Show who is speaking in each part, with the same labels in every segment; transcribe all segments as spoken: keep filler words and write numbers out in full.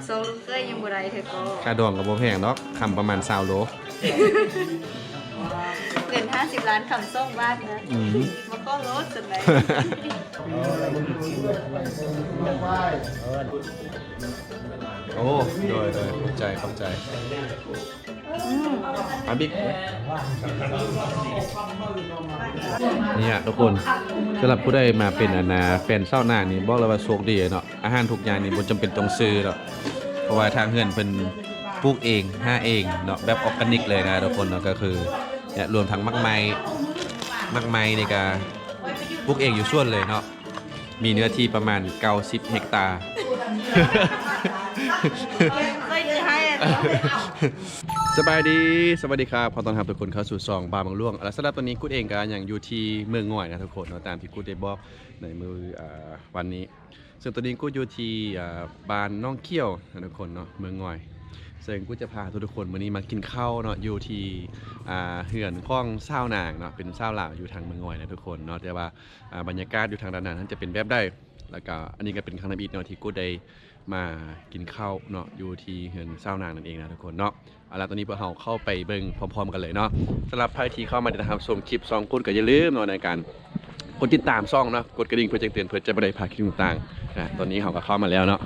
Speaker 1: สองลูกเคยยังบ่ได้เธอก็
Speaker 2: ค่าดองกับโบแพงเนาะคำประมาณสาวโล
Speaker 1: เกินห้าสิบล้านคำส่งบ้านนะมันก็ลดจนไหน
Speaker 2: โอ้โดยโดยเข้าใจเข้าใจอาบิ๊กเนี่ยทุกคนสำหรับผู้ได้มาเป็นอนาแฟนเศร้าหน้านี่บอกเลยว่าโชคดีเนาะอาหารทุกอย่างนี่บ่จำเป็นต้องซื้อหรอกเพราะว่าทางเฮือนเพิ่นปลูกเองหาเองเนาะแบบออร์แกนิกเลยนะทุกคนเนาะก็คือเนี่ยรวมทั้งมักไม้มักไม้นี่ก็ปลูกเองอยู่ส่วนเลยเนาะมีเนื้อที่ประมาณเก้าสิบเฮกตาร์สบายดีสวัสดีครับขอต้อนรับทุกคนเข้าสู่ซองบาบางล่วงและสำหรับตอนนี้กูเองก็อย่างอยู่ที่เมืองง่อยนะทุกคนเนาะตามที่กูได้บอกในมือวันนี้ซึ่งตอนนี้กูอยู่ที่บ้านน้องเขี้ยวนะทุกคนเนาะเมืองง่อยซึ่งกูจะพาทุกคนวันนี้มากินข้าวเนาะอยู่ที่เหือนข้องเศร้านางเนาะเป็นเศร้าหลาวอยู่ทางเมืองง่อยนะทุกคนเนาะแต่ว่าบรรยากาศอยู่ทางด้านนั้นจะเป็นแบบได้แล้วก็อันนี้ก็เป็นครั้งที่อีกเนาะที่กูได้มากินข้าวเนาะอยู่ที่เหือนเศร้านางนั่นเองนะทุกคนเนาะเอาล่ะตอนนี้พวกเราเข้าไปเบิ่งพร้อมๆกันเลยเนาะสำหรับใครที่เข้ามาติดตามชมคลิปซองกุดก็อย่าลืมเนาะในการกดติดตามช่องเนาะกดกระดิ่งเพื่อแจ้งเตือนเพื่อจะไม่ได้พลาดคลิปต่างๆนะตอนนี้เขาก็เข้ามาแล้วเนาะ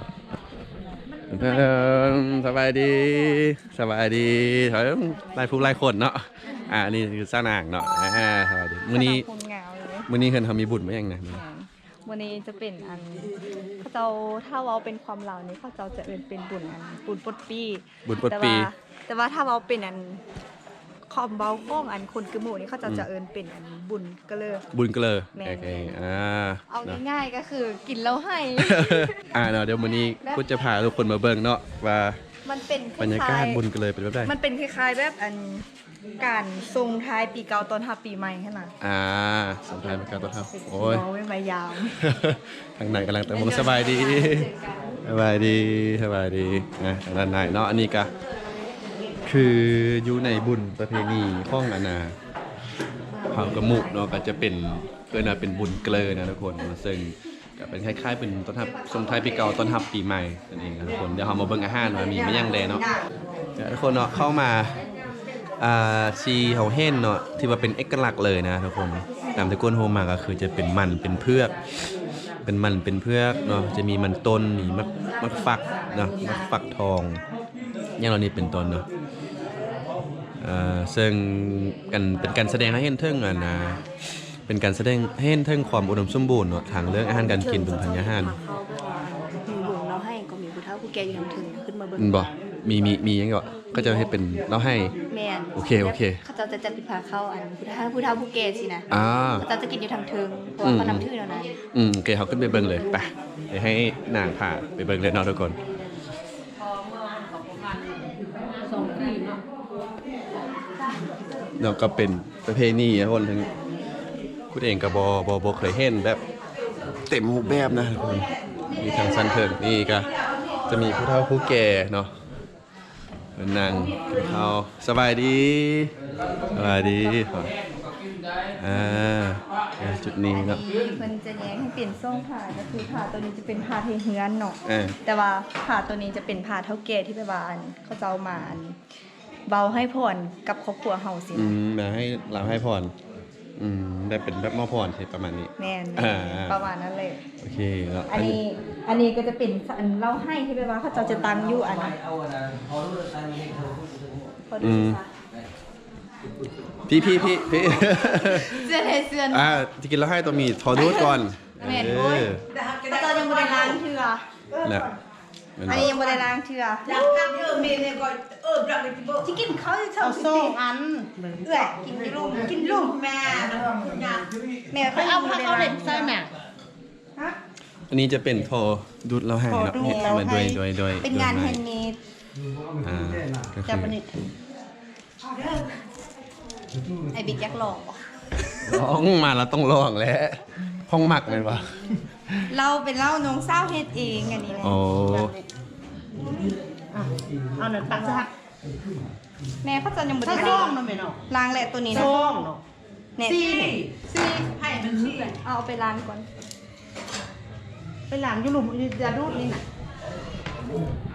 Speaker 2: สบายดีสบายดีถอยไล่ผู้ไล่คนเนาะอ่านี่คือเศร้านางเนาะอ่าสบายดีมื้อนี้มื้อนี้เพิ่นทำมีบุญมั้ยยังนะ
Speaker 1: วันนี้จะเป็นอันเขาเจ้าถ้าเว้าเป็นความเหล่านี้เขาเจ้าจะเอิ้นเป็นบุญอันบุญปดปี
Speaker 2: บุญปดปี
Speaker 1: แต่ว่าถ้าเว้าเป็นอันคอมเบาก้องอันคนกระหมู่นี่เขาจะจะเอิ้นเป็นอันบุญกะเลอ
Speaker 2: บุญกะเลอโอเคอ่า
Speaker 1: เอาง่ายๆก็คือกินแล้วให้
Speaker 2: อ่าเนาะเดี๋ยวมื้อนี้กูจะพาทุกคนมาเบิ่งเนาะว่า
Speaker 1: มันเป็น
Speaker 2: บรรยากาศบุญกะเลอเป็นแบบใด
Speaker 1: มันเป็นคล้ายๆแบบอันการส่งท้ายปีเก่าต้อนรับปีใหม่คั่นน่ะ
Speaker 2: อ่าส่งท้ายปีเก่าต้อนรับโอ้ย
Speaker 1: บ่ไม่มายาม
Speaker 2: ทางไหนกำลังแต่งสบายดีสบายดีสบายดีนะด้านในเนาะอันนี้ก็คืออยู่ในบุญประเพณีข้องอาณาเผากระมุกเนาะก็จะเป็นเพื่อนเป็นบุญเกลอนะทุกคนซึ่งก็เป็นคล้ายๆเป็นต้อนรับส่งท้ายปีเก่าต้อนรับปีใหม่นั่นเองนะทุกคนเดี๋ยวเรามาเบิ่งอาหารว่ามีไม่ยังแดเนาะทุกคนเนาะเข้ามาอ่าซีเฮาเฮ่นเนาะที่ว่าเป็นเอกลักษณ์เลยนะทุกคนตามที่ก้นโฮมาก็คือจะเป็นมันเป็นเพือกเป็นมันเป็นเพือกเนาะจะมีมันต้นมีมักมักฟักเนาะมักฟักทองอย่างเรานี่เป็นต้นเนาะอ่าซึ่งกันเป็นการแสดงให้เห็นถึงอ่ะนะเป็นการแสดงให้เห็นถึงความอุดมสมบูรณ์เนาะทางเรื่องอาหารการกินเป็นพันยาหาร
Speaker 1: มีบุญเราให้ก็มีผู้เฒ่าผู้แก่อยู่ทางถึงขึ้นมาเบิ่ง
Speaker 2: บ่มีมีมีหยังก็ก็จะให้เป็นเราให้
Speaker 1: แม่น
Speaker 2: โอเคโอเค
Speaker 1: เขาจะจะปิดพาเข้าอันผู้เฒ่าผู้เฒ่าผู้แก่สินะ
Speaker 2: อ่า
Speaker 1: เขาจะกินอยู่ทางถึงเพราะว่าเขานำชื่อแล้วนะ
Speaker 2: อืมโอเคเฮาขึ้นไปเบิ่งเลยไปเดี๋ยวให้นางพาไปเบิ่งเลยเนาะทุกคนเนาะก็เป็นประเพณีนะคนทั้งคุณเองก็บ่บ่บ่เคยเห็นแบบเต็มรูปแบบนะทุกคนมีทางสันเทิงนี่ก็จะมีผู้เฒ่าผู้แก่เนาะนั่งกินข้าวสบายดีสบายดีอ่าจุดนี้เนาะ
Speaker 1: มันจะแย้งให้เปลี่ยนทรงผ้าก็คือผ้าตัวนี้จะเป็นผ้าเทเฮือนเนาะแต่ว่าผ้าตัวนี้จะเป็นผ้าเฒ่าแก่ที่ไปบ้านเขาเจ้ามาเบาให้ผ่อนกับครอบครัวเฮาสิ
Speaker 2: อืมมาให้เราให้ผ่อนอืมได้เป็นแบบมอผ่อนใช่ประมาณนี้
Speaker 1: แม่นประมาณนั้นเลย
Speaker 2: โอเคแล้ว
Speaker 1: อันนี้อันนี้ก็จะเป็นอันเล่าให้ที่ไปว่าเขาเจ้าจะตั้งอยู่อัน
Speaker 2: อืมพี่พี่พี่พี่
Speaker 1: เสื้อเทเสื้อ
Speaker 2: อ่าที่กินแล้วให้ตัวมีทอดูดก่อน
Speaker 1: แม่นโอ้ยเขาเจ้ายังบ่ได้ล้างเทื่อ
Speaker 2: น่ะ
Speaker 1: อันนี้ยังบ่ได้ล้างเทื่อล้างกันเออแม่เนี่ยก็เออปรับไปสิกินข้าวเอาสองอันเอื้อกินลูกกินลูกแม่แม่เขาเอาผ้าเขาเล่นใส่แม่ฮะ
Speaker 2: อันนี้จะเป็นทอดูดเราให้เนาะมาด้วยด้วยด้วย
Speaker 1: เป็นงานแฮนด์เมด
Speaker 2: อ่า
Speaker 1: จับอันนี้ไอ้บิ๊กยักษ์หลอก
Speaker 2: ร้องมาแล้วต้องร้องแล้วห้องหมักเลยวะ
Speaker 1: เราเป็นเล่าน้องเศร้าเฮ็ดเองอันนี้แหละ
Speaker 2: โอ้
Speaker 1: เอาหนึ่งปักซักแม่เขาจะยังบ่ได้ล้างเนาะแม่เนาะล้างแหละตัวนี้นะเนี่ยซี่ซี่ให้มันซี่เอาไปล้างก่อนไปล้างอยู่หลุมอย่าดูดนี่น่ะ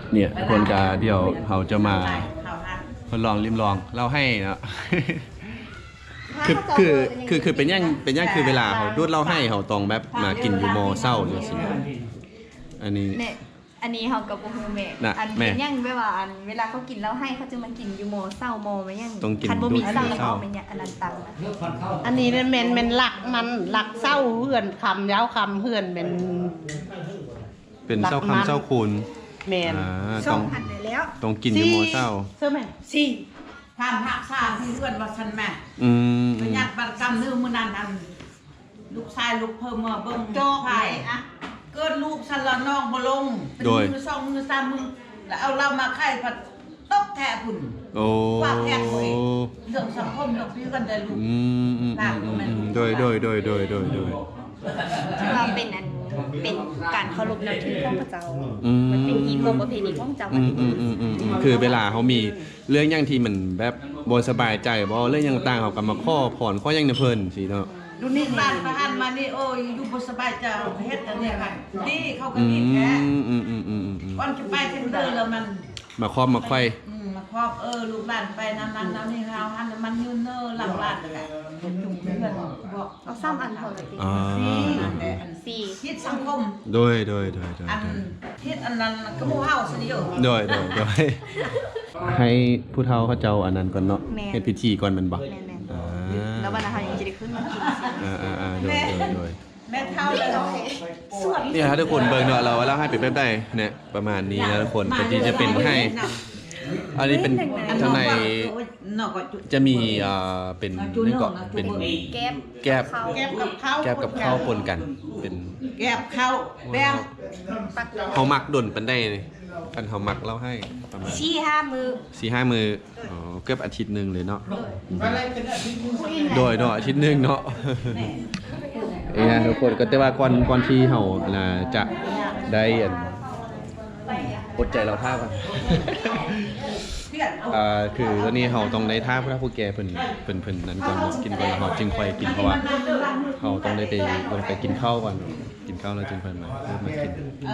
Speaker 2: เนี่ยคนกาเดี๋ยวเขาจะมาทดลองริมลองเล่าให้เนาะ คือคือคือคือเป็นยังเป็นยังคือเวลาเขาดูดเล่าให้เขาตรงแบบมากินอยู่มอเศร้าอยู่สิอันนี้
Speaker 1: เนี่ยอันนี้เขากับโบฮูเม
Speaker 2: น่ะ
Speaker 1: อัน
Speaker 2: แม่
Speaker 1: เป็นยังเวลาอันเวลาเขากินแล้วให้เขาจะมากินอยู่โมเศร้าโมไหมยัง
Speaker 2: ต้องกิน
Speaker 1: คันบ่มีเศร้า
Speaker 2: ดูดเศร้า
Speaker 1: เขาไม่เนี่ยอันนั้นตังนะ
Speaker 3: อันนี้เนี่ยแม่นแม่นหลักมันหลักเศร้าเฮือนคำยาวคำเฮือนเป็น
Speaker 2: เป็นเศร้าคำเศร้าคูณ
Speaker 3: แม่น
Speaker 2: อ่า
Speaker 1: ส
Speaker 2: ต้
Speaker 1: อ
Speaker 2: อง ง
Speaker 1: พันได้แล้ว
Speaker 2: ต้องกินอยู่มอเศร้า
Speaker 3: เสื้อแม่
Speaker 4: สี่ทำหักษาที่เพื่อนว่าฉันแม่
Speaker 2: อืม
Speaker 4: ประหยัดบัตรกำนื้อมือนันอันลูกชายลูกเพิ่มมาเบิ่ง
Speaker 3: จอก
Speaker 4: ไผ่
Speaker 3: ไหนอะ
Speaker 4: เกิดลูกฉันละน้องบ่ลงเป็นมือสองมือสามมือแล้วเอาเรามาไข่ผัดตกแทะพุ่น
Speaker 2: โอ้
Speaker 4: ว่าแทะคุยเรื่องสังคมเรื่องพี่กันได้ลูก
Speaker 2: อืมอืมอืมอืมอืมโดยโดยโดยโดยโดยโดย
Speaker 1: ถือว่าเป็นอันเป็นการเคารพนับถือของพระเจ้า
Speaker 2: อืม
Speaker 1: มันเป็นอีโมประเพณีของเจ้า
Speaker 2: อืมอืมอืมอืมอืมคือเวลาเขามีเรื่องอย่างที่มันแบบบ่สบายใจบ่เรื่องอย่างต่างเขาก็มาข้อผ่อนข้ออย่างในเพิ่นสิเนาะ
Speaker 3: ดูนี่
Speaker 4: บ้านพระอันมานี่โอ้ยอยู่บ่สบายใจเฮ็ดอันนี้ค่ะนี่เขาก็
Speaker 2: อื
Speaker 4: นี่แท้
Speaker 2: มอืมอืมอืมอืมอืม
Speaker 4: ก่อนจะไปเทนเดอร์แล้วมัน
Speaker 2: มาครอบมาไขว้
Speaker 4: อืมมาครอบเออลูกหลานไปน้ำนั้นน้ำนี่เฮาหันมันยืนเนอหลังบ้านแหละจุ่มเพื่อนบอก
Speaker 1: เอาซ้ำอันเท่าไหร่ดี
Speaker 2: อ่า
Speaker 4: แต่อัน
Speaker 1: สี่
Speaker 4: ทิศสังคม
Speaker 2: โดยโดยโดยโดย
Speaker 4: อัน
Speaker 2: โดย
Speaker 4: ทิศอันนั้นก็หมู่เฮาสิอยู่
Speaker 2: โดยโดยโดยให้ผู้เฒ่าเขาเจ้าอันนั้นก่อนเนาะเฮ็ดพิธีก่อนแมันบ่
Speaker 1: แม่น
Speaker 2: อ่า
Speaker 1: ๆแล้ววันนั้นเขายังจะได้ขึ้นมากินสิ
Speaker 2: อ่าอ่าอ่าโดยโดยโดย
Speaker 4: แม่เท่าเลยเนาะ
Speaker 1: ส่วน
Speaker 2: เนี่ยครับทุกคนเบิ่งเนาะเราเราให้เป็นแบบใดเนี่ยประมาณนี้นะทุกคนก็ที่จะเป็นให้ อันนี้เป็นข้างใน
Speaker 4: เนาะก็จุ
Speaker 2: จะมีอ่าเป็นนี่ก็เป็น
Speaker 1: แก๊บ
Speaker 2: แก๊บ
Speaker 1: เขา
Speaker 3: แก้บกับข้าว
Speaker 2: แก๊บกับข้าวปนกันเป็น
Speaker 4: แก็บเข้าแป้ง
Speaker 1: ปัก
Speaker 2: เฮามักดนปันได้นี่กันเฮามักเล่าให้ประมาณ
Speaker 1: ชี้ห้ามือ
Speaker 2: สี่ห้ามืออ๋อเกือบอาทิตย์หนึงเลยเนาะโดยเนาะอาทิตย์หนึงเนาะเอ้ยนะทุกคนก็แต่ว่าก่อนก่อนที่เฮาน่ะจะได้อันอดใจเราท่าก่อน
Speaker 4: เพื่อน
Speaker 2: อ่าคือตอนนี้เราต้องได้ท่าพระผู้แก่เพิ่นเพิ่นเพิ่นนั้นก่อนเนาะกินก่อนแล้วเราจึงค่อยกินเพราะว่าเราต้องได้ไปลงไปกินข้าวก่อนกินข้าวแล้วจึงค่อยมาเริ่มมากิน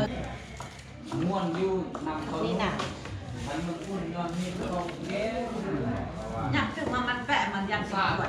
Speaker 3: นี่น่ะ
Speaker 4: อยากถึงมามันแปะมันยังสวย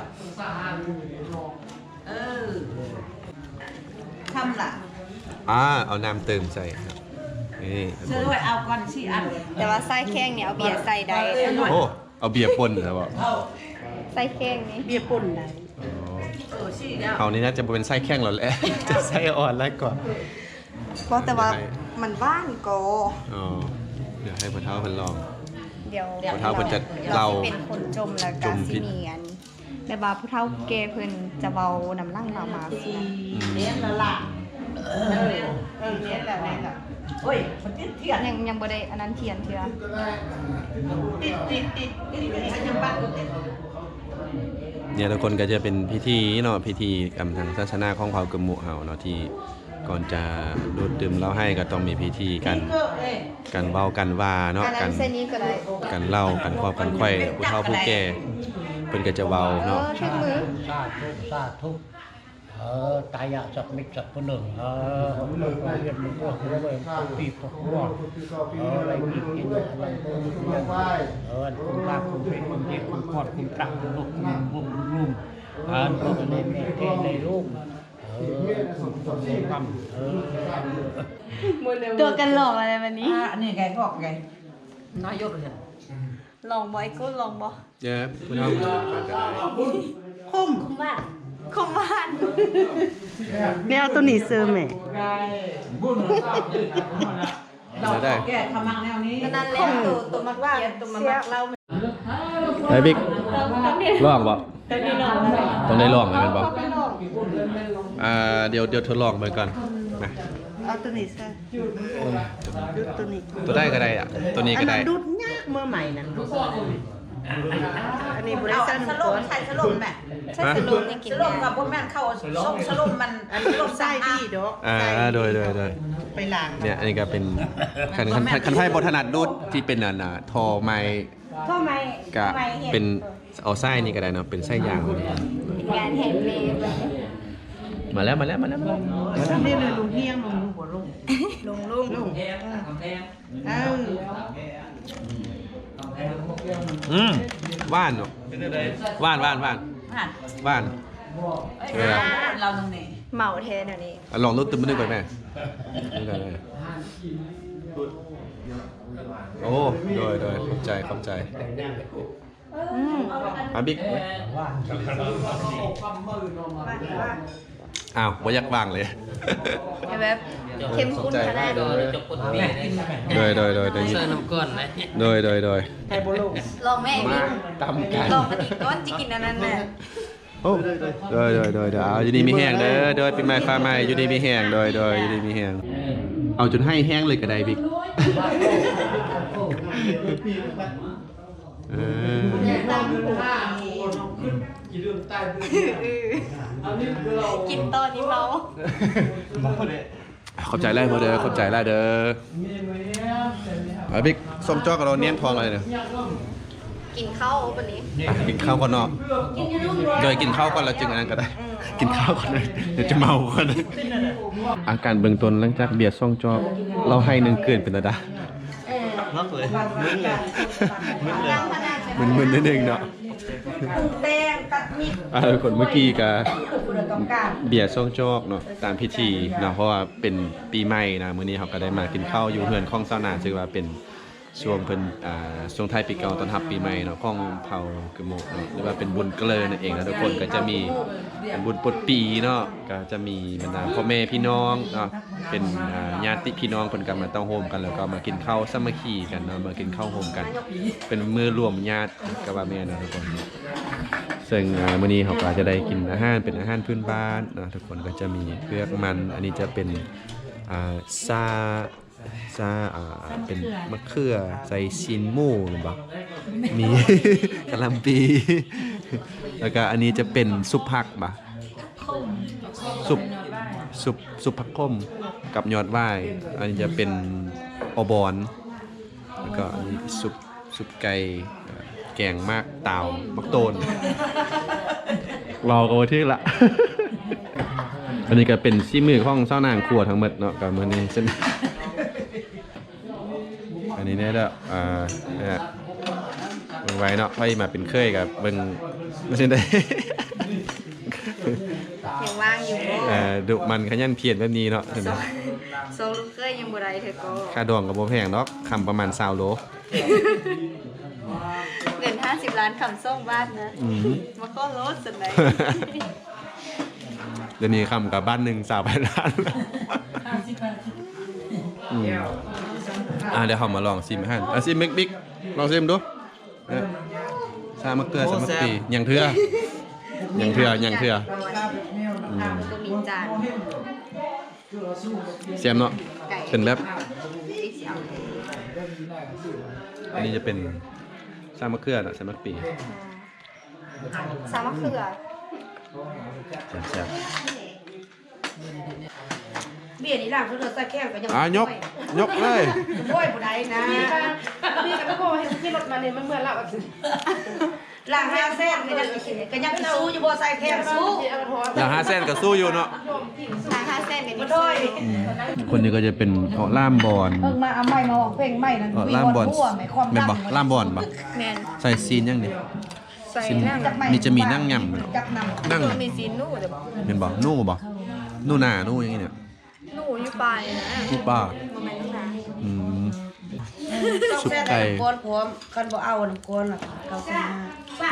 Speaker 4: เออทำล่ะ
Speaker 2: อ่าเอาน้ำเติมใส่ครับนี่
Speaker 4: ซื้อไว้เอาก่อนสี่อัน
Speaker 1: แต่ว่าไส้แข้งเนี่ยเอาเบียร์ใส่ได้
Speaker 2: โอ้เอาเบียร์ป่นแล้วบ่
Speaker 1: ไส้แข้งนี่
Speaker 3: เบียร์ป่นได้
Speaker 2: อ๋อ
Speaker 4: เออสี่แล้ว
Speaker 2: เขาวนี้น่าจะเป็นไส้แข้งแล้วแหละ จะไส้อ่อนแล้วก่อน
Speaker 1: เพราะแต่ว่ามันว่างโก
Speaker 2: อ๋อเดี๋ยวให้พ่อเฒ่าเพิ่นลอง
Speaker 1: เดี๋ยว
Speaker 2: ผู้เฒ่าเพิ่นจะ
Speaker 1: ดี๋ยว
Speaker 2: เล่า
Speaker 1: เป็นคนจมแล้ว
Speaker 2: จ
Speaker 1: ก็
Speaker 2: มพิ
Speaker 1: สิ
Speaker 2: ษ
Speaker 1: มีอันแต่ว่าผู้เฒ่าแก่เพิ่นจะเบาน้ำลังเรามาสิ
Speaker 3: เลี้ยงละละเออเออเลี้ยงละแม่ละ
Speaker 4: โอ้ยมันติดเทียน
Speaker 1: ยังยังบ่ได้อันนั้นเทียนเทื่อ
Speaker 4: ติดติดติดติดติดยังบ้านก็ติด
Speaker 2: เนี่ยทุกคนก็จะเป็นพิธีเนาะพิธีกรรมทางศาสนาของเผ่ากึมหมู่เฮาเนาะที่ก่อนจะดูดดื่มเหล้าให้ก็ต้องมีพิธีกัน
Speaker 4: ก็เอ้ย
Speaker 2: กันเว้ากันว่าเนาะ
Speaker 1: อัน
Speaker 2: กั
Speaker 1: นั้น นเส้นนี้ก็ได้
Speaker 2: กันเล่ากันครอบกันไข่ผู้เฒ่าผู้แก่เพิ่นก็จะเว้า
Speaker 1: เอ
Speaker 2: เนาะ
Speaker 1: อทุกมือ
Speaker 5: สาธุสาธุเออตายะสักมิตรสักคนหนึ่งเออผมเลิกเรียนมันก็หัวเวงปีกหัวเอออะไรอีกกินอะไรก็ยังเออคุณรักคุณเป็นคุณเจ็บคุณกอดคุณตักคุณลุกคุณบุ้มรุ่มอ่านก็ในแม่เทในลูกเออคุณต้องมีความเออ
Speaker 1: ตัวกันหลอกอะไรวันนี้
Speaker 4: อ่าอันนี้ไงบอกไงนายกเลย
Speaker 1: ลองบ่ไอ้กูลองบ่
Speaker 2: เด้อผู้เฒ่าผู้แก่ก็ได้
Speaker 3: คุ้ม
Speaker 1: บ้านคมบ้าน
Speaker 3: เนี่ยเอาตัวนี้ซื้อแม่
Speaker 4: เราแก้ขมังแนวนี้
Speaker 1: นั่นแหละตัวตัวมักว่าตัวมักเรา
Speaker 2: ไปบิ๊ก
Speaker 1: ต้องนี่
Speaker 2: ลองบ่
Speaker 1: ต้องนี่ลอง
Speaker 2: ต้องได้ลองเลยแม่นบ่
Speaker 1: ต้องได้ลอง
Speaker 2: อ่าเดี๋ยวเดี๋ยวทดลองไปก่อนนะ
Speaker 3: เอาตัวนี้ซื้อดูดตัวนี้
Speaker 2: ตัวได้ก็ได้อ่ะตัวนี้
Speaker 3: อั
Speaker 2: ก็
Speaker 3: น
Speaker 2: ได้
Speaker 3: นั้นดูดยากเมื่อใหม่นั่นอันนี้บริ
Speaker 4: เอา
Speaker 3: ษัท
Speaker 4: สลมใส่สลมแม่
Speaker 1: ใช่สรุปยังกิน
Speaker 4: สลมกับพวกแม่เข้าส่งสลมมัน
Speaker 3: อันนี้ลูกไส้ดีดอก
Speaker 2: อ่าโดยโดยโดย
Speaker 3: ไปล้าง
Speaker 2: เนี่ยอันนี้ก็เป็นคันคันคันคันไพ่บทนัดดูดที่เป็นอันน่ะทอไม้
Speaker 1: ก็ไม่
Speaker 2: กะ
Speaker 1: ไม่เห็น
Speaker 2: เป็นเอาไส้นี่ก็ได้เนาะเป็นไส้ยางเลย
Speaker 1: เป็นงานแฮนด์เมด
Speaker 2: มาแล้วมาแล้วมาแล้วมาแล้วมาแล้ว
Speaker 3: นี่เลยลุงเฮียงลุงหัวลุง
Speaker 1: ลุงลุงลุงเอ้า
Speaker 2: อืมหวานเนาะหวานหวานหวาน
Speaker 4: ผ่าน
Speaker 2: หวาน
Speaker 4: เออเราตรงนี้
Speaker 1: เหมาเทนอันนี้
Speaker 2: อ่ะลองรสตึมมันนึกไปแม่นี่กันเลยโอ้โดยโดยเข้าใจเข้าใจ
Speaker 1: อืม
Speaker 2: อาบิ๊กอ้าวว่ายักวางเลย
Speaker 1: แบบเข้มข้นขนาด
Speaker 6: โดยจบคนปีเลย
Speaker 2: โดยโดยโดยโดย
Speaker 6: เสื้อน้ำก้อนไหม
Speaker 2: โดยโดยโดย
Speaker 1: ลองแม่อีกนิด
Speaker 2: ตำกัน
Speaker 1: ลองอันนี้ก้อนจะกินอันนั้นแหละ
Speaker 2: โอ้โดยโดยโดยโดยโดยเอาอยู่ดีมีแห้งเด้อโดยเป็นไม้ฟ้าไม้อยู่ดีมีแห้งโดยโดยอยู่ดีมีแห้งเอาจนให้แห้งเลยก็ได้บิ๊กเออ
Speaker 1: กินตอนนี้เมา
Speaker 2: ขอบใจไล่พอเด้อขอบใจไล่เด้อเอาบิ๊กส้มจอกกับเราเนียนทองอะไรเนี่ย
Speaker 1: กินข้าววันนี้
Speaker 2: อ่ะกินข้าวก่อนเนาะโดยกินข้าวก่อนแล้วจึงอันนั้นก็ได้ กินข้าวก่อนเลยเดี๋ยวจะเมาก่อนอาการเบื้องต้นหลังจากเบียร์ซ่องจอกเราให้หนึ่งเกินเป็นระดับ
Speaker 6: นักเลยมึนเลยมึนเลย
Speaker 2: มึนมึนนิดนึงเนาะ
Speaker 1: แดงกัดมีด
Speaker 2: อ่าคนเมื่อกี้กับ
Speaker 1: คุณต้องการ
Speaker 2: เบียร์ซ่องจอกเนาะตามพิธีเนาะเพราะว่าเป็นปีใหม่นะมื้อนี้เขาก็ได้มากินข้าวอยู่เฮือนของเจ้าหน้าซึ่งว่าเป็นช่วงเพิ่นอ่าช่วงท้ายปีเก่าต้อนรับปีใหม่เนาะของเผ่ากะโมกเนาะหรือว่าเป็นบุญเกลอนั่นเองนะทุกคนก็จะมีเป็นบุญปลดปีเนาะก็จะมีบรรดาพ่อแม่พี่น้องเนาะเป็นอ่าญาติพี่น้องเพิ่นก็มาต้องโฮมกันแล้วก็มากินข้าวสามัคคีกันเนาะมากินข้าวโฮมกัน เป็นมื้อรวมญาติก็ว่าแม่นนะทุกคนซึ่งอ่ามื้อนี้เขาก็จะได้กินอาหารเป็นอาหารพื้นบ้านเนาะทุกคนก็จะมีเผือกมันอันนี้จะเป็นอ่าซาซาอ่าเป็นมะเขือใส่ชิ้นหมูหรือเปล่ามี กะหล่ำปี แล้วก็อันนี้จะเป็นซุปผักบ่ะซุปซุปซุปผักข้มกับยอดว่ายอันนี้จะเป็นอบอนแล้วก็อันนี้ซุปซุปไก่เอ่อแกงมากเต่ามักโตน รอกันที่ละ อันนี้ก็เป็นซีมือของเจ้านางครัวทั้งหมดเนาะกับมื้อนี้เส้น อันนี้เนี่ยเด้ออ่าเนี่ยเบิ่งไว้เนาะไว้มาเป็นเคยกับเบิ่งไม่ใช่ได้
Speaker 1: ยังว่างอยู่
Speaker 2: เอ่อดุมันขยันเพียรแบบนี้เนาะเห็นไหม
Speaker 1: โซลูกเคยยังบ่ได้เธอก็
Speaker 2: ค่าดองกับบ่แพงเนาะคำประมาณ20โล
Speaker 1: เงินห้าสิบล้านคำส่งบ้านนะ
Speaker 2: อืม
Speaker 1: มาก็ลดสันไหน
Speaker 2: เดี๋ยวนี้คำกับบ้านหนึ่งสาวพันล้านอืมอ่ะเดี๋ยวเขามาลองซิมให้อ่ะซิมบิ๊กบิ๊กลองซิมดูเนี่ยชามะเกลือชามะปีอย่างเถื่ออย่างเถื่ออย่างเถื่ออืม
Speaker 1: ก็มีจาน
Speaker 2: เสียมเนาะเป็นแบบ
Speaker 1: ติ๊กเสียว
Speaker 2: อันนี้จะเป็นชามะเขือเนาะชามะปี
Speaker 1: สามะเขือ
Speaker 2: แซ่บ
Speaker 3: เบียร์นี่ล่ะคือเราใส่แก้วก็ยัง
Speaker 2: ๆอ่ะยกยกเลย
Speaker 3: โอ้ยบ่ได้นะนี่ก็บ่ให้ที่รถมาเนี่ยมันเหมือนเราอ่ะ
Speaker 1: ล่างห้าเส้นก็ยังก็ยังสู้อยู่บ่ใส่แคมสู้
Speaker 2: อย่างห้าเส้นกับสู้อยู่เนาะ
Speaker 1: ล่างห้าเส้นกันนี่
Speaker 3: ด้วย
Speaker 2: คนนี้ก็จะเป็นเาะล่ามบอล
Speaker 3: เพิ่งมาเอาไม้มาออกเพลงใหม่นั่น
Speaker 2: เาะล่ามบอล
Speaker 3: ทั่วไหมความ
Speaker 2: แม่น
Speaker 3: ดั
Speaker 2: บ่
Speaker 3: ง
Speaker 2: ล่ามบอลบ่
Speaker 1: แม่น
Speaker 2: ใส่ซีนยังนี่
Speaker 1: ใส่
Speaker 2: ซีน
Speaker 1: นั่ง
Speaker 2: มีจะมีนั่งยำเนาะ
Speaker 3: จับนำ
Speaker 2: นั่ง
Speaker 1: มีซีนู่เดี๋ยวบอก
Speaker 2: แม่นบ่นู่บ่นู่หน้านู่อย่างงี้เนี่ย
Speaker 1: นู่อยู่ปลายนะ
Speaker 2: นู่ป้า
Speaker 1: บ่แม่นนู่นะ
Speaker 2: อืมซุปไก่
Speaker 3: ก้อนพร้อมคันบ่เอาน้ำก้อนล่ะเขาสิมา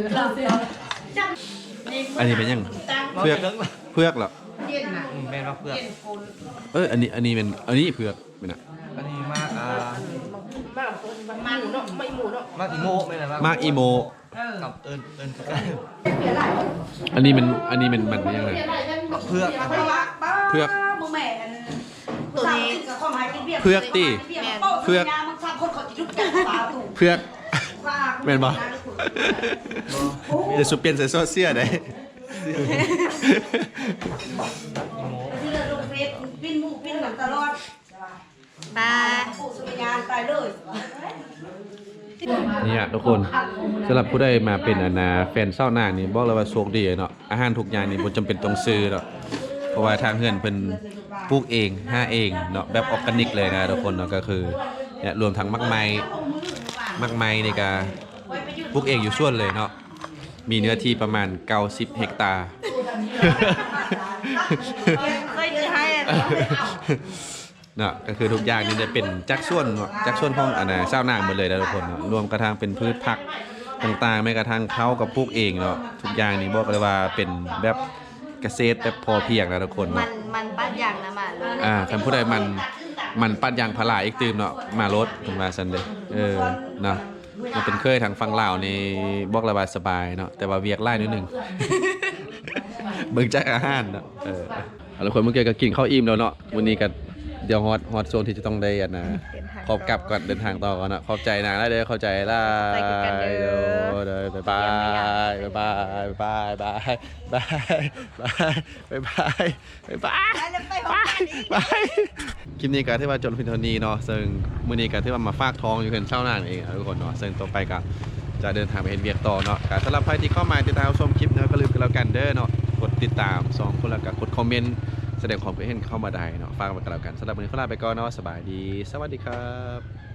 Speaker 2: อันนี้เป็นยังเพือกเพือกเหรอ
Speaker 6: แม่รับเพื่อน
Speaker 2: เอ้ยอันนี้อันนี้เป็นอันนี้เพือกเป็นอ่ะ
Speaker 6: อันนี้มากอ่า
Speaker 3: มันเนาะไม่หมูเนาะ
Speaker 6: มากอีโมไม่นะ
Speaker 2: มากอีโม
Speaker 6: กับเอิญเอิญกัน
Speaker 2: อันนี้มันอันนี้มันมันเป็นยังไง
Speaker 6: เพื่อ
Speaker 2: เพือก
Speaker 1: บ่แม่นตัวนี้
Speaker 2: เพือกตีเพือกเพือกแม่นบ่จะสุเปลี่ยนใส่ซอสเสียได้
Speaker 3: ปิ้นหมูปิ้นหลังตลอด
Speaker 1: ปลา
Speaker 3: ผู้สุริยานตายเลย
Speaker 2: เนี่ยทุกคนสำหรับผู้ใดมาเป็นอนาแฟนเศร้านางนี่บอกเลยว่าโชคดีเนาะอาหารทุกอย่างนี่บ่จำเป็นต้องซื้อเนาะเพราะว่าทางเฮือนเพิ่นปลูกเองห้าเองเนาะแบบออร์แกนิกเลยนะทุกคนเนาะก็คือเนี่ยรวมทั้งมักไม้มักไม้ในการปลูกเองอยู่ส่วนเลยเนาะมีเนื้อที่ประมาณเก้าสิบเฮกตาร์
Speaker 1: เคยจะให้อะ
Speaker 2: เนาะก็คือทุกอย่างนี่จะเป็นจักส่วนจักส่วนของอันน่ะชาวนาหมดเลยนะทุกคนเนาะรวมกระทั่งเป็นพืชผักต่างๆแม้กระทั่งเขากับปลูกเองเนาะทุกอย่างนี่บอกเลยว่าเป็นแบบเกษตรแบบพอเพียงนะทุกคน
Speaker 1: มั
Speaker 2: เนาะ
Speaker 1: นมันปั้นอย่างนะมัน
Speaker 2: อ่าท่านผู้ใดมันมันปัดยางพาราอีกตื่มเนาะมารถผมมาซันเลยเออเนาะมันเป็นเคยทางฟังลาวนี่บอกระบายสบายเนาะแต่ว่าเวียกไล่นิดนึง เบิ่งจากอาหารเนาะเออเอาละคนเมื่อกี้ก็กินข้าวอิ่มแล้วเนาะวันนี้ก็เดี๋ยวฮอตฮอตโซนที่จะต้องได้อันนะขอบกลับก่อนเดินทางต่อก่อนเนาะขอบใจนะแล้วเด้อเข้าใจล่ะ
Speaker 1: ไปกันกันเด้อ
Speaker 2: เด้อบ๊ายบายบ๊ายบายบ๊ายบายบ๊ายบายบ๊ายบายบ๊ายบาย
Speaker 1: แล้วไปห้องกันอีก
Speaker 2: บายคลิปนี้ก็ที่ว่าจนพินเทานีเนาะซึ่งมื้อนี้ก็ที่ว่ามาฝากท้องอยู่เพิ่นเช้าหน้าเองนะทุกคนเนาะซึ่งต่อไปก็จะเดินทางไปเฮ็ดเวียกต่อเนาะก็สำหรับใครที่เข้ามาติดตามชมคลิปเนาะก็ลืมกันแล้วกันเด้อเนาะกดติดตามสองคนแล้วก็กดคอมเมนต์แสดงความคิดเห็นเข้ามาได้เนาะฝากไว้กันแล้วกันสำหรับวันนี้ขอลาไปก่อนเนาะสบายดีสวัสดีครับ